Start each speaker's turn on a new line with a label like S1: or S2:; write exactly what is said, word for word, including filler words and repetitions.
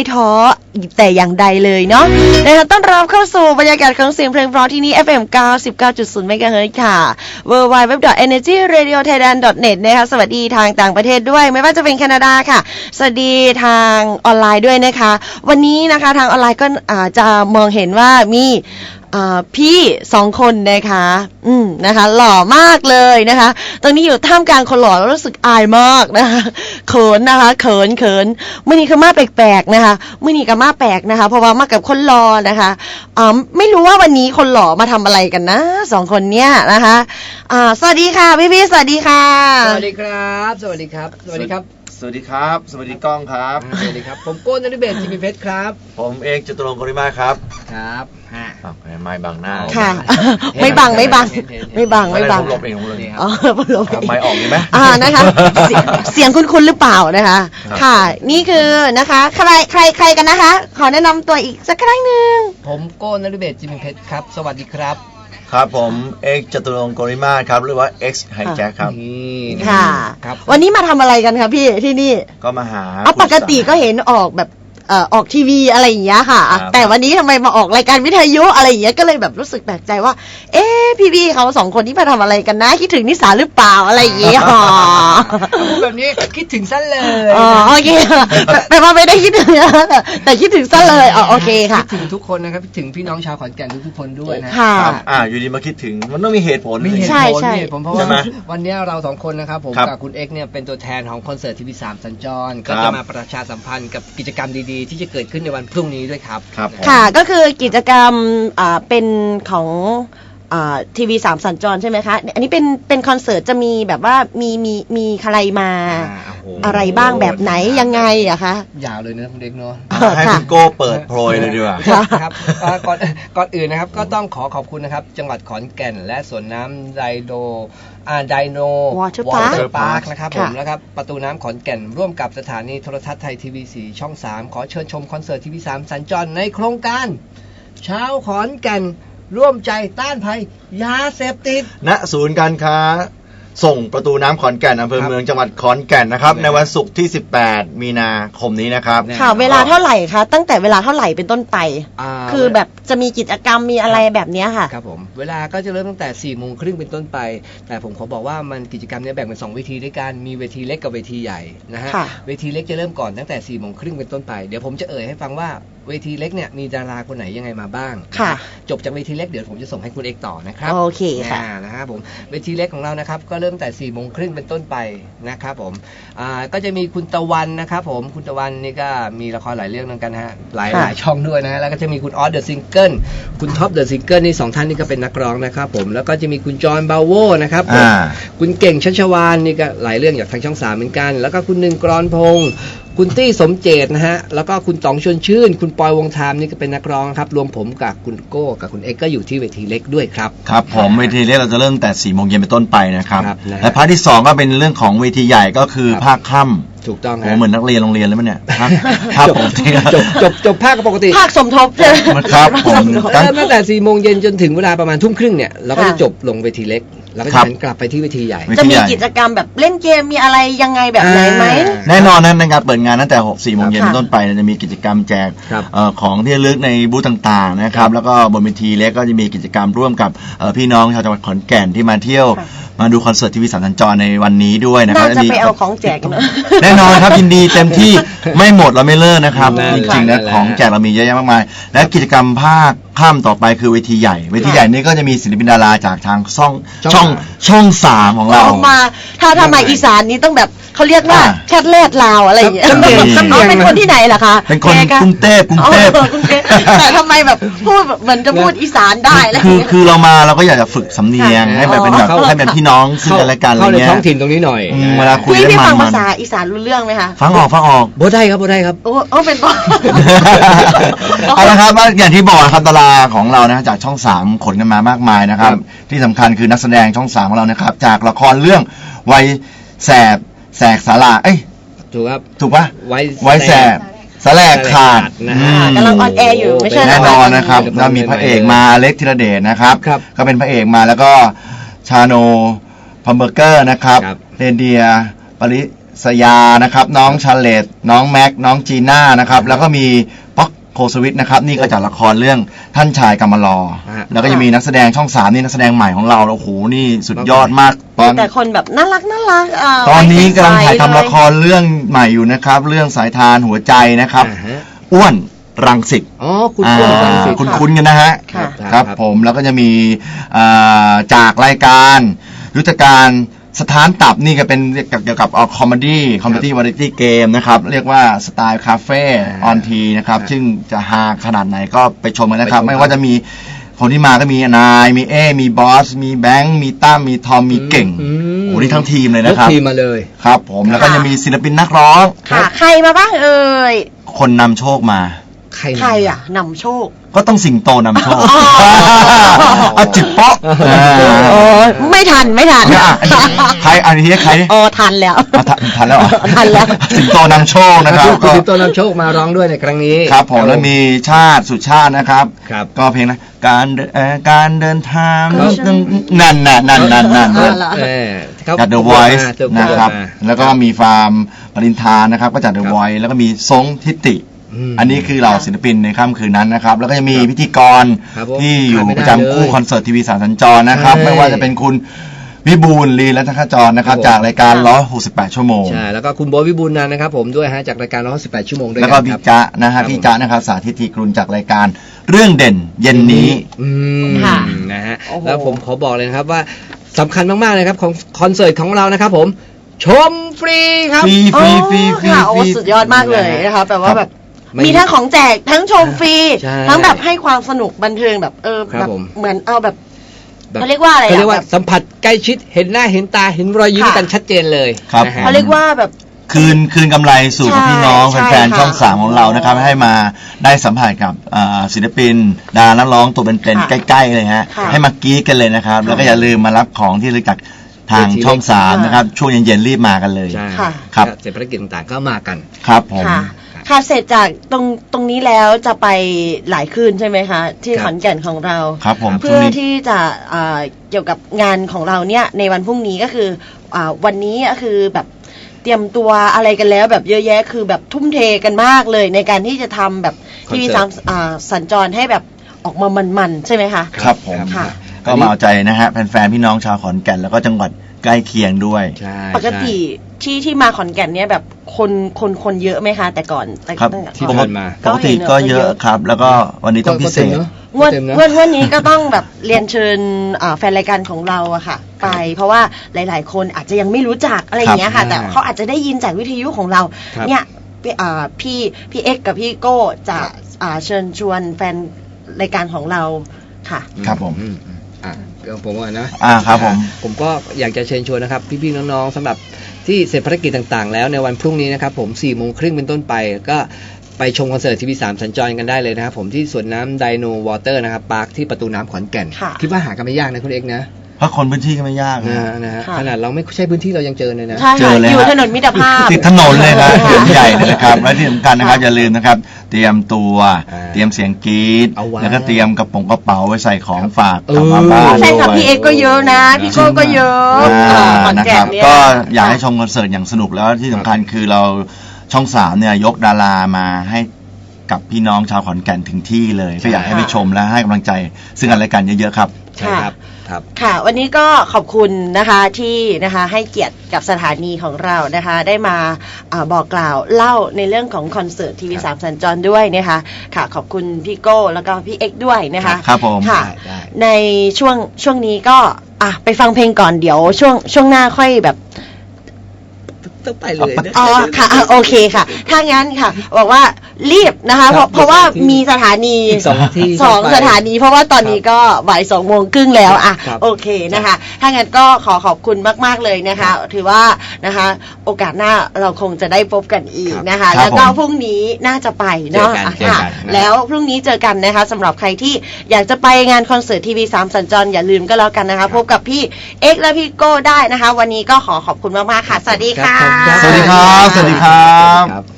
S1: ให้ท้อแต่อย่างใดเลยเนาะนะคะต้อนรับเข้าสู่บรรยากาศของเสียงเพลงเพราะที่นี่ เอฟ เอ็ม เก้าสิบเก้าจุดศูนย์ เมกะเฮิรตซ์ ค่ะ ดับเบิลยู ดับเบิลยู ดับเบิลยู ดอท เอเนอร์จีเรดิโอไทยแลนด์ ดอท เน็ต นะคะสวัสดีทางต่างประเทศด้วยไม่ว่าจะเป็นแคนาดาค่ะสวัสดีทางออนไลน์ด้วยนะคะวันนี้นะคะทางออนไลน์ก็อาจจะมองเห็นว่ามีพี่สองคนนะคะอืมนะคะหล่อมากเลยนะคะตอนนี้อยู่ท่ามกลางคนหล่อแล้วรู้สึกอายมากนะคะเขินนะคะเขินเขินมื่อนี้คือมาแปลกๆนะคะมื่อนี้ก็มาแปลกนะคะเพราะว่ามากับคนหล่อนะคะอ่าไม่รู้ว่าวันนี้คนหล่อมาทำอะไรกันนะสองคนเนี้ยนะคะอ่าสวัสดีค่ะพี่พี่สวัสดีค่ะ
S2: สวัสดีครับสวัสดีครับสวัสดีครับ
S3: สวัสดีครับสวัสดีกล้องครับ
S2: สวัสดีครับผมโก้นนฤเบศจิมิเพชรครับ
S3: ผมเอกจตุรงค์กริมาครับ
S2: ครับฮะ
S3: ไม่บังหน้า
S1: ค่ะไม่บังไม่บังไม่บังไม่บัง
S3: ลบเองเลย
S1: อ๋อลบ
S3: ไม่ออกดีไหม
S1: อ่านะคะเสียงคุ้นๆหรือเปล่านะคะค่ะนี่คือนะคะใครใครใครกันนะคะขอแนะนำตัวอีกสักครั้งหนึ่ง
S2: ผมโก้นนฤเบศจิมิเพชรครับสวัสดีครับ
S3: ครับผมเอกจตุรงค์กริมาครับหรือว่า X Hijack ครับ
S1: ค่ะวันนี้มาทำอะไรกันคะพี่ที่นี่
S3: ก็มาหา
S1: ปกติก็เห็นออกแบบเอ่อออกทีวีอะไรอย่างเงี้ยค่ะแต่วันนี้ทำไมมาออกรายการวิทยุอะไรอย่างเงี้ยก็เลยแบบรู้สึกแปลกใจว่าเอ๊ะพี่ๆเขาสองคนนี้มาทำอะไรกันนะคิดถึงนิสาหรือเปล่าอะไรอย่างเงี้ยอ๋อ
S2: แบบนี้คิดถึงซะเลย
S1: อ๋อโอเคแต่ว่าไม่ได้คิดถึงแต่คิดถึงซะเลยอ๋อโอเคค่ะ
S2: คิดถึงทุกคนนะครับคิดถึงพี่น้องชาวขอนแก่นทุกคนด้วยนะ
S1: ค่ะ
S3: อ่าอยู่ดีมาคิดถึงมันต้องมีเหตุผล
S2: มีเหตุผลมีเหตุผลเพราะว่าวันนี้เราสองคนนะครับผมกับคุณเอ็กเนี่ยเป็นตัวแทนของคอนเสิร์ตทีวีสามสัญจรก็จะมาประชาสัมพันธ์กับกิจกรรมดีๆที่จะเกิดขึ้นในวันพรุ่งนี้ด้วยครับ
S1: ค่ะก็คือกิจกรรมอ่าเป็นของทีวีสามสัญจรใช่ไหมคะอันนี้เป็นเป็นคอนเสิร์ตจะมีแบบว่ามีมีมีใครมาอะไรบ้างแบบไหนยังไงอะคะ
S2: ยาวเลยนะคุณเด็กเนาะ
S3: ให้คุณโก้เปิดโปรยเลยดีกว่า
S2: ครับก่อนก่อนอื่นนะครับก็ต้องขอขอบคุณนะครับจังหวัดขอนแก่นและสวนน้ำไดโดอ่าไดโน
S1: วอเตอร์
S2: พาร์คนะครับผมแล้วครับประตูน้ำขอนแก่นร่วมกับสถานีโทรทัศน์ไทยทีวีสี่ช่องสามขอเชิญชมคอนเสิร์ตทีวีสามสัญจรในโครงการเช้าขอนแก่นร่วมใจต้านภัยยาเสพติด
S3: ณศูนย์การค้าส่งประตูน้ำขอนแก่นอำเภอเมืองจังหวัดขอนแก่นนะครับในวันศุกร์ที่สิบแปดมีนาคมนี้นะครับ
S1: ค่ะเวลาเท่าไหร่คะตั้งแต่เวลาเท่าไหร่เป็นต้นไปคือแบบจะมีกิจกรรมมีอะไรแบบนี้ค่ะ
S2: ครับผมเวลาก็จะเริ่มตั้งแต่สี่โมงครึ่งเป็นต้นไปแต่ผมขอบอกว่ามันกิจกรรมนี้แบ่งเป็นสองเวทีด้วยกันมีเวทีเล็กกับเวทีใหญ่นะฮะเวทีเล็กจะเริ่มก่อนตั้งแต่สี่โมงครึ่งเป็นต้นไปเดี๋ยวผมจะเอ่ยให้ฟังว่าเวทีเล็กเนี่ยมีดาราคนไหนยังไงมาบ้าง
S1: ค่ะ
S2: จบจากเวทีเล็กเดี๋ยวผมจะส่งให้คุณเอกต่อนะครับ
S1: โอเคค่ะ
S2: นะครับผมเวทีเล็กของเรานะครับก็เริ่มแต่สี่โมงครึ่งเป็นต้นไปนะครับผมอ่าก็จะมีคุณตะวันนะครับผมคุณตะวันนี่ก็มีละครหลายเรื่องเหมือนกันฮะหลายหลายช่องด้วยนะแล้วก็จะมีคุณออสเดอะซิงเกิลคุณท็อปเดอะซิงเกิลนี่สองท่านนี่ก็เป็นนักร้องนะครับผมแล้วก็จะมีคุณจอห์นบาโวนะครับคุณเก่งชัชวาลนี่ก็หลายเรื่องจากทางช่องสามเหมือนกันแล้วก็คุณหนึ่งกรอนพงษ์คุณตี้สมเจตนะฮะแล้วก็คุณต๋องชวนชื่นคุณปอยวงธามนี่ก็เป็นนักร้องครับรวมผมกับคุณโก้กับคุณเอ็กก็อยู่ที่เวทีเล็กด้วยครับ
S3: ครับผมเวทีเล็กเราจะเริ่มแต่สี่โมงเย็นเป็นต้นไปนะครับและภาคที่สองก็เป็นเรื่องของเวทีใหญ่ก็คือภาคค่ำ
S2: ถูกต้อง
S3: โอ้เหมือนนักเรียนโรงเรียนเลยมั้ยเนี่ย
S2: ครับผมจบจบจบภาคปกติ
S1: ภาคสมทบใช่
S3: ครับผม
S2: ตั้งแต่สี่โมงเย็นจนถึงเวลาประมาณทุ่มครึ่งเนี่ยเราก็จะจบลงเวทีเล็กแล้วก็จะกลับไปที่เวทีใหญ่
S1: จะมีกิจกรรมแบบเล่นเกมมีอะไรยังไงแบบไหนไหม
S3: แน่นอนนะในการเปิดงานตั้งแต่หก สี่โมงเย็นเป็นต้นไปจะมีกิจกรรมแจกของที่ระลึกในบูธต่างๆนะครับแล้วก็บนเวทีเล็กก็จะมีกิจกรรมร่วมกับพี่น้องชาวจังหวัดขอนแก่นที่มาเที่ยวมาดูคอนเสิร์ตทีวีสามสัญจรในวันนี้ด้วยนะครับ
S1: น่าจะไปเอาของแจกนะ
S3: แน่นอนครับยินดีเต็มที่ไม่หมดเราไม่เลิกนะครับจริงๆนะของแจกเรามีเยอะแยะมากมายและกิจกรรมภาคค่ำต่อไปคือเวทีใหญ่เวทีใหญ่นี่ก็จะมีศิลปินดาราจากทางช่องช่องช่องสามของเรา
S1: มาถ้าทำไมอีสานนี้ต้องแบบเขาเรียกว่าแคทแรดลาวอะไรอย่างเงี้ยเป็นคนที่ไหนล่ะคะ
S3: เป็นคนกรุงเทพกรุงเทพ
S1: แต่ทำไมแบบพูดเหมือนจะพูดอีสานได้แล้ว
S3: คือคือเรามาเราก็อยากจะฝึกสำเนียงให้แบบเป็นแบบให้เป็นพี่น้องซึ่งกันและกันอะไรเงี้ย
S2: ท้องถิ่นตรงนี้หน่อย
S3: เวลาคุย
S1: พี่ฟังภาษาอีสานรู้เรื่องไหมคะ
S3: ฟังออกฟังออก
S2: บ่ได้ครับบ่ได้ครับ
S1: โอ้โอ้เป็นบ่
S3: เอาละครับอย่างที่บอกครับดาราของเรานะจากช่องสามขนกันมามากมายนะครับที่สำคัญคือนักแสดงช่องสามของเรานะครับจากละครเรื่องวัยแสบแสกสาราเอ้ย
S2: ถูกครับ
S3: ถูกป่ะไว้แสบสแลกขาด
S1: กำลังออนแอร์อยู่ไม่ใช่
S3: แน่นอนนะครับเรามีพระเอกมาเล็กธีรเดชนะครับก็เป็นพระเอกมาแล้วก็ชาโนพัมเบอร์เกอร์นะครับเรนเดียปริสยานะครับน้องชาเลตน้องแม็กน้องจีน่านะครับแล้วก็มีป๊อกโคสวิทนะครับนี่ก็จากละครเรื่องท่านชายกำมะลอแล้วก็ยังมีนักแสดงช่องสามนี่นักแสดงใหม่ของเราโอ้โหนี่สุดยอดมากตอน
S1: แต่คนแบบน่ารักน่ารักอ่า
S3: ตอนนี้กำลังถ่ายทำละค
S1: ร
S3: รเรื่องใหม่อยู่นะครับเรื่องสายทานหัวใจนะครับ
S2: อ่าฮะ
S3: อ้วนรังสิต
S2: อ๋อคุณอ้วนรังสิต
S3: คุณคุ้นๆกันนะฮะ
S1: ค่ะ
S3: ครับผมแล้วก็จะมีอ่าจากรายการยุทธการสถานตับนี่ก็เป็นเกี่ยวกับคอมเมดี้คอมเมดี้วาไรตี้เกมนะครับเรียกว่าสไตล์คาเฟ่ออนทีนะครับซึ่งจะฮาขนาดไหนก็ไปชมกันนะครับ ไม่ว่าจะมีคนที่มาก็มีนายมีเอมีบอสมีแบงค์มีตั้มมีทอมมีเก่ง
S2: อืม
S3: โอ้นี่ทั้งทีมเลยนะครับ
S2: ยกทีมมาเลย
S3: ครับผมแล้วก็ยังมีศิลปินนักร้อง
S1: ค่ะ ใครมาบ้างเอ่ย
S3: คนนำโชคมา
S2: ใคร
S1: ใครอ่ะนำโชค
S3: ก็ต้องสิงโตนำโชค
S1: อ๋อ
S3: เอาจิบเปาะ
S1: โอ้ยไม่ทันไม่ทัน
S3: เนี่ยอ่ะอันนี้ใครอันนี้ใคร
S1: อ๋อทันแล้ว
S3: อ่ะทันทันแล้วเหรอ
S1: ทันแล้ว
S3: สิงโตนำโชคนะครับ
S2: คุณ
S3: ก็
S2: สิงโตนำโชคมาร้องด้วยในครั้งนี้
S3: ครับผมแล้วมีชาติสุชาตินะครับ
S2: ครับ
S3: ก็เพลงนะการเดินเอ่อการเดินทาง
S1: ครับ
S3: นั่นน่ะนั่นนั่นนั่น
S1: เอ
S3: นั่
S1: อน เหรอ
S2: เออเขา
S3: จาก The Voice
S2: เจอ
S3: นะครับ
S2: มา
S3: แล้วก็มีฟาร์มปรินทานะครับก็จาก The
S2: ครับ
S3: Voice แล้วก็มีซงทิติ
S2: ม
S3: อันนี้คือเหล่าศิลปินในค่ำคืนนั้นนะครับ แล้วก็จะมี
S2: ครับ
S3: พิธีกร
S2: ครับผม
S3: ที่อยู่
S2: ขาดไม่ได้
S3: ประจำคู่
S2: เลย
S3: คอนเสิร์ตทีวีสามสัญจรนะครับ
S2: ใช่
S3: ไม่ว่าจะเป็นคุณวิบูลย์ลีรัตนขจรนะครับ
S2: ครับผม
S3: จากรายการล้อหกสิบแปดชั่วโมง
S2: ใช่แล้วก็คุณโบทวิบูลย์นันท์นะครับผมด้วยฮะจากรายการร้อยสิบแปดชั่วโมงด้วย
S3: แล้ว
S2: กั
S3: ก็
S2: น
S3: พี่
S2: ครับ
S3: จ๊ะนะ
S2: ครั
S3: ฮะ
S2: บ
S3: พี่จ๊ะนะครับสาธิตทีกรุณจากรายการเรื่องเด่นเย็นนี้
S2: อืม
S1: ค่ะ
S2: นะฮะ
S1: โอ้โห
S2: แล้วผมขอบอกเลยนะครับว่าสำคัญมากๆเลยครับของคอนเสิร์ตของเรานะครับผมชมฟรีครับ
S3: ฟรีฟรีฟรีฟรี
S1: ค่ะ
S3: ฟ
S1: โอ้
S3: รี
S1: สุดยอดมากเลยนะคะแปลว่าแบบ
S2: ไม่
S1: มีทั้งของแจกทั้งชมฟรี
S2: ใช่
S1: ทั้งแบบให้ความสนุกบันเทิงแบบเออ
S2: ครับ
S1: แบบ
S2: ผม
S1: เหมือนเอาแบบ
S2: แบบ
S1: เขาเรียกว่าอะไรอะ
S2: เขาเรียกว่า
S1: แบบ
S2: สัมผัสใกล้ชิดเห็นหน้าเห็นตาเห็นรอยยิ้ม
S1: ค่ะ
S2: กันชัดเจนเลย
S3: ครับ
S2: นะฮะ
S1: เขาเรียกว่าแบบ
S3: คืนคืนกำไรสู่กับ
S1: ใช่
S3: พี่น้อง
S1: ใช่
S3: แฟนๆ
S1: ค่ะ
S3: ช่องสามของเรานะครับ ให้มาได้สัมผัสกับอ่าศิลปิน ดารานักร้องตัวเป็นๆ
S1: ค่ะ
S3: ใกล้ๆเลยฮะ
S1: ค่ะ
S3: ให้มากรี๊ดกันเลยนะครับ แล้วก็อย่าลืมมารับของที่ระลึกจากทาง
S2: เวที
S3: ช่องสาม
S1: ค่ะ
S3: นะครับ ช่วงเย็นๆรีบมากันเลย
S2: ใช่
S1: ค่ะ
S3: ครับ
S2: เสร็จภารกิจต่างๆก็มากัน
S3: ครับผม
S1: ค่ะ ค่ะเสร็จจากตรงตรงนี้แล้วจะไปหลายคืนใช่ไหมคะ ที่
S2: ครับ
S1: ขอนแก่นของเรา
S3: ครับผมช่
S1: เพื่
S3: วง
S1: อ
S3: นี้
S1: ที่จะอ่าเกี่ยวกับงานของเราเนี่ยในวันพรุ่งนี้ก็คืออาวันนี้ก็คือแบบเตรียมตัวอะไรกันแล้วแบบเยอะแยะคือแบบทุ่มเทกันมากเลย ในการที่จะทำแบบทีวี
S2: ค
S1: สา
S2: อ
S1: ม
S2: นเสิร์ต
S1: อ่าสัญจรให้แบบออกมามันๆใช่ไหมคะ
S3: ครับผม
S1: ค่ะ
S3: ก็มาเอาใจนะฮะแฟนๆ พี่น้องชาวขอนแก่นแล้วก็จังหวัดใกล้เคียงด้วย
S2: ใช่
S1: ปกติที่ที่มาขอนแก่นเนี่ยแบบคนคนคนเยอะไหมคะแต่ก่อนแต่
S3: ครับ
S1: ตั้งแต่
S2: ที่
S1: ก่อน
S2: ผ่านมา
S3: ปกติก็เยอะครับ แล้วก็วันนี้ต้องพิเศษ
S1: งวด
S2: เต็มเนอะ
S1: งวดงวดนี้ก็ต้องแบบเรียนเชิญอ่าแฟนรายการของเราอะค่ะ ไป เพราะว่าหลาย ๆ คนอาจจะยังไม่รู้จักอะไรอย่างเงี้ยค่ะ
S2: ครับ
S1: แต่เขาอาจจะได้ยินจากวิทยุของเรา
S2: ครับ
S1: เนี่ยพี่อ่าพี่พี่เอ็กซ์กับพี่โก้จะอ่าเชิญชวนแฟนรายการของเราค่ะ
S3: ครับผม
S2: อือือ่ะเดี๋ยวผมว่านะ
S3: อ่าครับผม
S2: ผมก็อยากจะเชิญชวนนะครับ พี่ๆน้องๆสำหรับที่เสร็จภารกิจต่างๆ แล้วในวันพรุ่งนี้นะครับผมสี่โมงครึ่งเป็นต้นไปก็ไปชมคอนเสิร์ตทีวีสามสัญจรกันได้เลยนะครับผมที่สวนน้ำไดโนวอเตอร์นะครับปาร์คที่ประตูน้ำขอนแก่น
S1: ค่ะ
S2: คิดว่าหากันไม่ยากนะคุณเอกนะ
S3: เพราะคนพื้นที่ก็ไม่ยาก
S2: นะ
S3: นะ
S2: นะฮะ
S1: ค่ะ
S2: ขนาดเราไม่ใช่พื้นที่เรายังเจอเลยนะ
S1: ใช่
S3: เจ
S1: ค่ะ
S3: อเลย
S1: อยู่
S3: ฮะ
S1: ถนนมิตรภาพ
S3: ติดถนนเลยครับ
S1: ค่ะ
S3: ถนนใหญ่เลยนะครับ และที่สำคัญนะครับ อย่าลืมนะครับ เตรียมตัว
S2: อ่า
S3: เตรียมเสียงกรี๊ด
S2: เอาไว้
S3: แล้วก็เตรียมกระป๋องกระเป๋าไว้ใส่ของฝาก
S2: เออก
S3: ลับมาบ้าน
S1: ใช่ค่ะ
S3: ด้วย
S1: พี่เอ็กซ์ก็เยอะนะ พี่โก้ก็เยอะ
S3: อ่า
S1: อ่าขอน
S3: นะ
S1: แก่
S3: คน รับ
S1: เนี่ย
S3: ก็อยากให้ชมคอนเสิร์ตอย่างสนุกแล้วที่สำคัญคือเราช่องสามเนี่ยยกดารามาให้กับพี่น้องชาวขอนแก่นถึงที่เลย ก็อยากให้ไปชมและให้กำลังใจ ซึ่งกันและกันเยอะๆครับ
S2: ใช่ครับครับ
S1: ค่ะ วันนี้ก็ขอบคุณนะคะที่นะคะให้เกียรติกับสถานีของเรานะคะ ได้มาอาบอกกล่าวเล่าในเรื่องของคอนเสิร์ตทีวีสามสัญจรด้วยนะคะค่ะขอบคุณพี่โก้แล้วก็พี่เอ็กซ์ด้วยนะคะ
S3: ครับผม
S1: ค่ะ
S2: ได้ได้
S1: ในช่วงช่วงนี้ก็อ่ะไปฟังเพลงก่อนเดี๋ยวช่วงช่วงหน้าค่อยแบบ
S2: ต้องไปเลยนะ
S1: อ๋อค่ะอ่ะโอเคค่ะ ถ้างั้นค่ะ บอกว่ารีบนะคะ เพราะเพราะว่ามีสถานี
S2: อีกสองที่
S1: สอง
S2: ไป
S1: สถานี เพราะว่าตอนนี้ก็บ่ายสองโมงครึ่งแล้วอ่ะ
S2: ครับ
S1: โอเคนะคะ ถ้างั้นก็ขอขอบคุณมาก ๆ เลยนะคะ ถือว่านะคะ โอกาสหน้าเราคงจะได้พบกันอีกนะคะ
S3: ครับ
S1: แล้วก็
S3: ผม
S1: พรุ่งนี้น่าจะไปเนาะ
S2: เจอกัน
S1: อ่ะ
S2: เจอกัน
S1: ค่ะ
S2: นะ
S1: แล้วพรุ่งนี้เจอกันนะคะสำหรับใครที่อยากจะไปงานคอนเสิร์ตทีวีสามสัญจรอย่าลืมก็แล้วกันนะคะพบกับพี่เอ็กซ์และพี่โก้ได้นะคะ วันนี้ก็ขอขอบคุณมากๆค่ะ สวัสดีค่ะ
S2: ครับ
S3: สวัสดีครับ สวัสดีครับ
S2: ครับ